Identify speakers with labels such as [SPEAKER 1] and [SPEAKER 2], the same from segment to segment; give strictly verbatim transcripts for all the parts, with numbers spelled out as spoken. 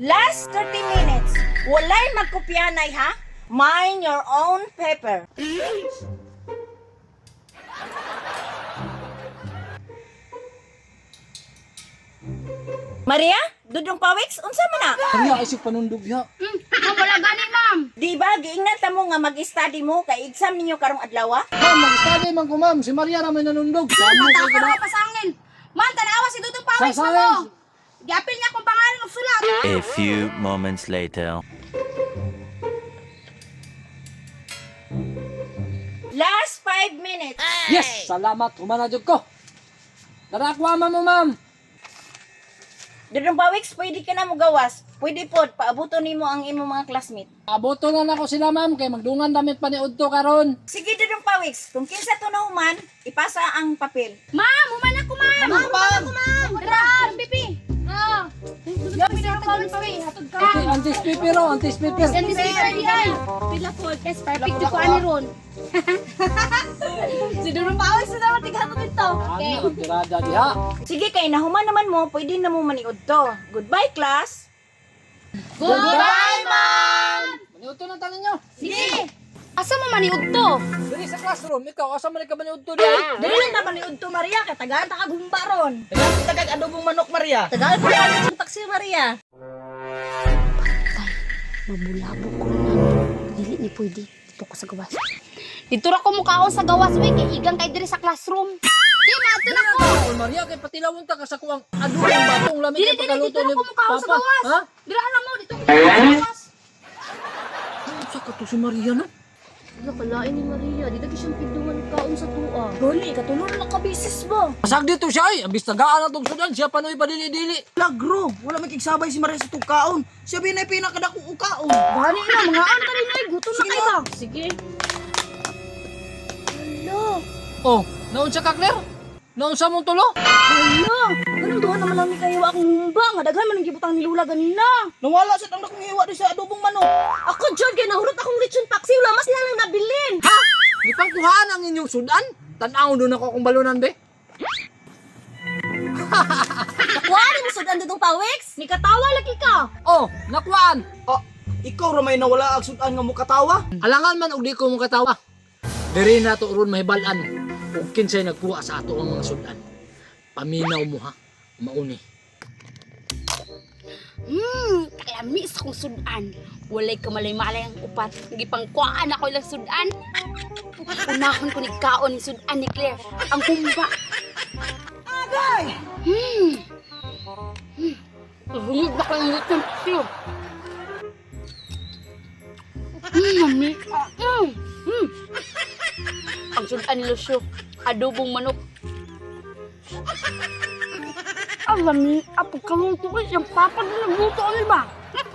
[SPEAKER 1] Last thirty minutes. Walay magkopyanay ha? Mind your own paper. Maria, dudong pawiks, unsa man na?
[SPEAKER 2] Maria, isip panundog ya.
[SPEAKER 3] Hmm, ma'am, wala gani, ma'am.
[SPEAKER 1] Di ba giingnan ta mo nga mag-study mo kay exam ninyo karong adlaw?
[SPEAKER 2] Ma'am, mag-study man ko ma'am. Si Maria na may nanundog. Samo
[SPEAKER 3] Mata
[SPEAKER 2] ko
[SPEAKER 3] ka
[SPEAKER 2] kada.
[SPEAKER 3] na pasangin. Ma'am, tanawa si Dudong Pawis
[SPEAKER 2] Sa
[SPEAKER 3] mo.
[SPEAKER 2] science.
[SPEAKER 3] Giapil niya akong pangalan ng sulat.
[SPEAKER 4] A few moments later.
[SPEAKER 1] Last five minutes.
[SPEAKER 2] Yes, salamat. Humanadjog ko. Darakwa man mo ma'am.
[SPEAKER 1] Dudong pawiks, pwede ka na mo gawas. Pwede pod, paabuto nimo ang imo mga classmate.
[SPEAKER 2] Aboto na nako sila ma'am kay magdungan damit pa ni Udto karon.
[SPEAKER 1] Sige, Dudong pawiks, kung kinsa to na human, ipasa ang papel.
[SPEAKER 3] Ma'am, human ako, ma'am.
[SPEAKER 2] Ma'am,
[SPEAKER 3] human ako, ma'am. Dara, pipi. Ah. Yapi na ako ng pawi. Hatod ka.
[SPEAKER 2] Okay, antis pipiro, antis pipir.
[SPEAKER 3] Yan di speaker diyan. Pila po. Yes, perfect jo ko ani ron. Si Dudong Pawis na dapat tighatod dito. Okay.
[SPEAKER 2] Ano ang tirada diha?
[SPEAKER 1] Sige, kay nahuman naman mo, pwede na mo maniud to. Goodbye, class!
[SPEAKER 3] Goodbye, ma'am.
[SPEAKER 2] Maniudto na tanan nyo.
[SPEAKER 3] Sige. Asa mo maniud to?
[SPEAKER 2] Diri sa classroom, ikaw asa man ka maniudto diha?
[SPEAKER 1] Dili lang na maniud to, Maria, kay tagaan ta kagumba ron.
[SPEAKER 5] Tagal tagag adobong manok, Maria.
[SPEAKER 1] Tagaan pa ka ng taksi, Maria.
[SPEAKER 3] Mabulabo ko na. Dili ni pwede. Dito ko sa gawas. Dito ra ko mukhaon sa gawas, we. Kay igang kay diri sa classroom. Di, mato na ko.
[SPEAKER 2] Oh, Maria kay patilawon ta ka sa kuwang adong batong lamig
[SPEAKER 3] Dili,
[SPEAKER 2] kay
[SPEAKER 3] dili,
[SPEAKER 2] pagkaluto
[SPEAKER 3] dito
[SPEAKER 2] ni
[SPEAKER 3] ra ko mukhaon sa
[SPEAKER 2] Papa.
[SPEAKER 3] gawas.
[SPEAKER 2] Ha?
[SPEAKER 3] Dira alam mo, dito ko mukhaon sa gawas.
[SPEAKER 2] Sa ka to si Maria na?
[SPEAKER 3] Nakalain ni Maria. Dito ko siyang pinduhan kaon sa tuwa.
[SPEAKER 1] Goli, katulong na ka bisis mo.
[SPEAKER 2] Pasag dito siya ay, ambis tagaan na tong sudan, siya panoy padili-dili.
[SPEAKER 5] Lagro, wala makigsabay si Maria sa tukaon. Siya binay pinakadakong ukaon.
[SPEAKER 3] Bani na, mga ano ka rin ay. Gutom na
[SPEAKER 5] Sige
[SPEAKER 3] kayo.
[SPEAKER 5] na.
[SPEAKER 3] Sige. Hello.
[SPEAKER 2] Oh, naun siya ka Claire? Naun sa mong tulo?
[SPEAKER 1] Hello! Ganun doon naman lang ni kayo akong humba. Nga daghan man ang gibutang ni Lula ganina.
[SPEAKER 5] Nawala sa tang dakong hiwa di sa adobong manok.
[SPEAKER 1] Ako, John, kay nahurot akong lechon paksi. Wala mas lang nabilin.
[SPEAKER 2] Ha? Di pang kuhaan ang inyong sudan? Tanaw doon ako kung balunan be.
[SPEAKER 1] Nakuha ni mo sudan dudong pawiks. Ni katawa lagi ka.
[SPEAKER 2] Oh, nakuhaan.
[SPEAKER 5] Ah, ikaw ra may nawala ang sudan nga mo katawa.
[SPEAKER 2] Alangan man og di ko mo katawa. Diri na to ron mahibalan. Ug kinsay nagkuha sa ato ang mga sudan. Paminaw mo ha. Mauni.
[SPEAKER 3] Hmm, kalami sa kong sudan. Walay kamalay-malay ang upat. Gipangkuhaan ako ilang sudan. Unahon ko ni kaon ni sudan ni Claire. Ang humba.
[SPEAKER 5] Agay!
[SPEAKER 3] Hmm. Hmm. Hungod na ko yung litong siyo. Hmm, mami. Hmm. Hmm. Ang sudan ni Lucio. Adobong manok. Alam ni, apo kang tukoy yung papa na nagluto ano ba?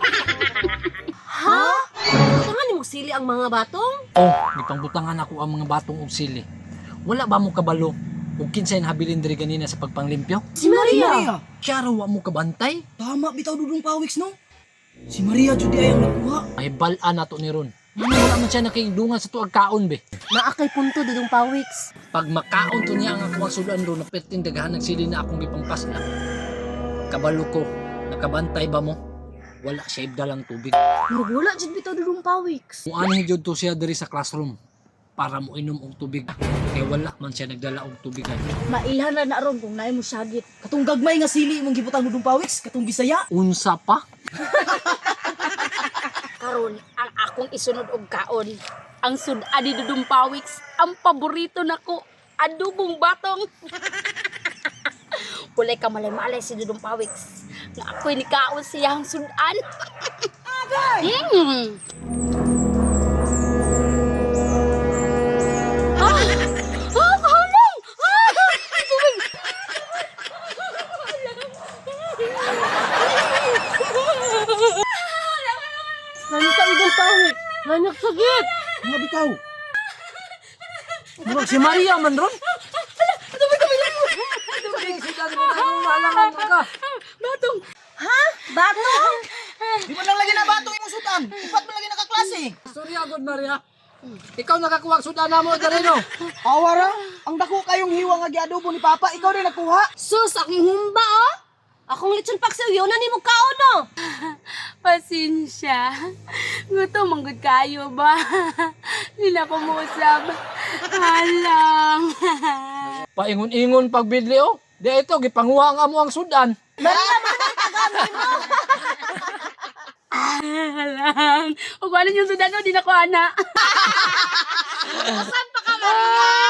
[SPEAKER 1] Ha? Tungan ni mo sili ang mga batong?
[SPEAKER 2] Oh, gipangbutangan ako ang mga batong og sili. Wala ba mo kabalo? Ug kinsay nahabilin diri ganina sa pagpanglimpyo?
[SPEAKER 1] Si
[SPEAKER 5] Si
[SPEAKER 1] Maria.
[SPEAKER 5] Maria.
[SPEAKER 2] Siya raw wa mo kabantay.
[SPEAKER 5] Tama bitaw dudong pawiks no. Si Maria jud di ay ang nakuha.
[SPEAKER 2] Mahibalan nato ni ron. Ano wala man siya nakingdungan sa tuag kaon be.
[SPEAKER 1] Naakay punto dudong pawiks.
[SPEAKER 2] Pag makaon to niya ang akong sudan ron, napiting dagahan ng sili na akong gipangpasla. Kabalo ko, nakabantay ba mo? Wala siya ibdalang tubig.
[SPEAKER 1] Murag wala jud bitaw dudong pawiks.
[SPEAKER 2] Kung ano jud to siya diri sa classroom para mo inom og tubig. Kaya wala man siya nagdala og tubig.
[SPEAKER 1] Mailhan na na ron kung naay mo sagit.
[SPEAKER 5] Katong gagmay nga sili imong gibutang dudong pawiks, katong Bisaya.
[SPEAKER 2] Unsa pa?
[SPEAKER 3] Karon ang akong isunod og kaon. Ang sudan ni Dudong Pawiks, ang paborito nako, adobong batong. Walay ka malay-malay si Dudong Pawiks. Nga ako'y ni kaon siya ang sudan. Agay! Mm. Ah! Ah! Kahalong! Ah! Tubig!
[SPEAKER 1] Nani ka dudong pawiks? Nanak sagit.
[SPEAKER 5] Mga bitaw.
[SPEAKER 2] Murag si Maria man ron.
[SPEAKER 3] Tubig kami lang!
[SPEAKER 2] Tubig sudan mo na kung alangan mo ka.
[SPEAKER 3] Batong!
[SPEAKER 1] Ha? Batong?
[SPEAKER 5] Di man lang lagi na batong imong sudan. Upat man lagi nakaklase.
[SPEAKER 2] Sorry agad Maria. Ikaw nakakuha og sudan namo dali no.
[SPEAKER 5] Awara, ang dako kayong hiwa nga giadobo ni Papa, ikaw din nakuha.
[SPEAKER 1] Sus, akong humba oh. Akong lechon paksi, yun na ni mo kaon no.
[SPEAKER 3] pasensya. Gusto manggod kayo ba? Hindi na ko muusab. Halang.
[SPEAKER 2] Paingon-ingon pagbidli oh. Di ito, gipanguha nga mo ang sudan.
[SPEAKER 3] Halang. O kung ano yung sudan o, di na ko ana.
[SPEAKER 1] Saan pa ka, Maria?